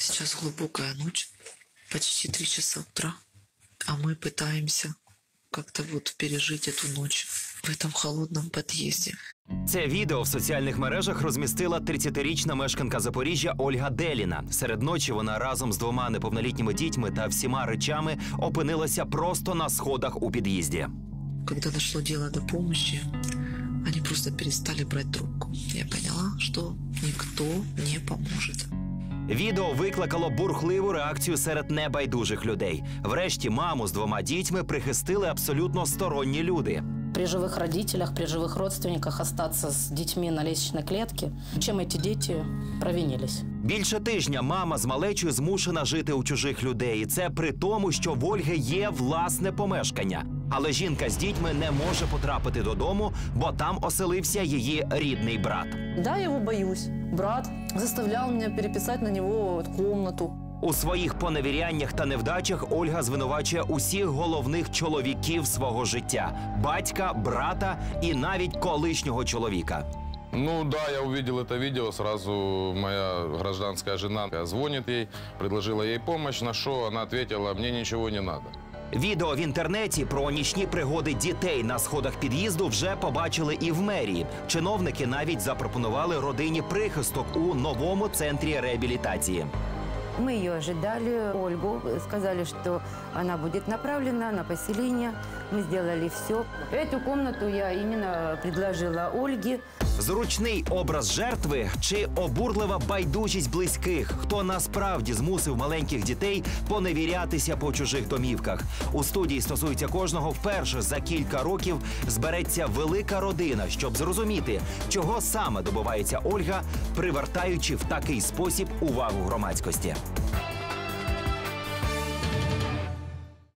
Сейчас глубокая ночь, почти 3 часа утра, а мы пытаемся как-то вот пережить эту ночь в этом холодном подъезде. Це відео в соціальних мережах розмістила 30-річна мешканка Запоріжжя Ольга Деліна. Серед ночі вона разом з 2 неповнолітніми дітьми та всіма речами опинилася просто на сходах у під'їзді. Когда дошло дело до помощи, они просто перестали брать трубку. Я поняла, что никто не поможет. Відео викликало бурхливу реакцію серед небайдужих людей. Врешті маму з 2 дітьми прихистили абсолютно сторонні люди. При живых родителях, при живых родственниках остаться с детьми на лестничной клетке, чем эти дети провинились. Більше тижня мама з малечою змушена жити у чужих людей. І це при тому, що в Ольги є власне помешкання. Але жінка з дітьми не може потрапити додому, бо там оселився її рідний брат. Да, я его боюсь. Брат заставлял меня переписать на него комнату. У своїх поневіряннях та невдачах Ольга звинувачує усіх головних чоловіків свого життя – батька, брата і навіть колишнього чоловіка. Ну да, я увидел это видео, сразу моя гражданская жена звонит ей, предложила ей помощь, на что она ответила: мне ничего не надо. Відео в інтернеті про нічні пригоди дітей на сходах під'їзду вже побачили і в мерії. Чиновники навіть запропонували родині прихисток у новому центрі реабілітації. Мы ее ожидали, Ольгу, сказали, что она будет направлена на поселение. Мы сделали все. Эту комнату я именно предложила Ольге. Зручний образ жертви чи обурлива байдужість близьких? Хто насправді змусив маленьких дітей поневірятися по чужих домівках? У студії «Стосується кожного» вперше за кілька років збереться велика родина, щоб зрозуміти, чого саме добивається Ольга, привертаючи в такий спосіб увагу громадськості.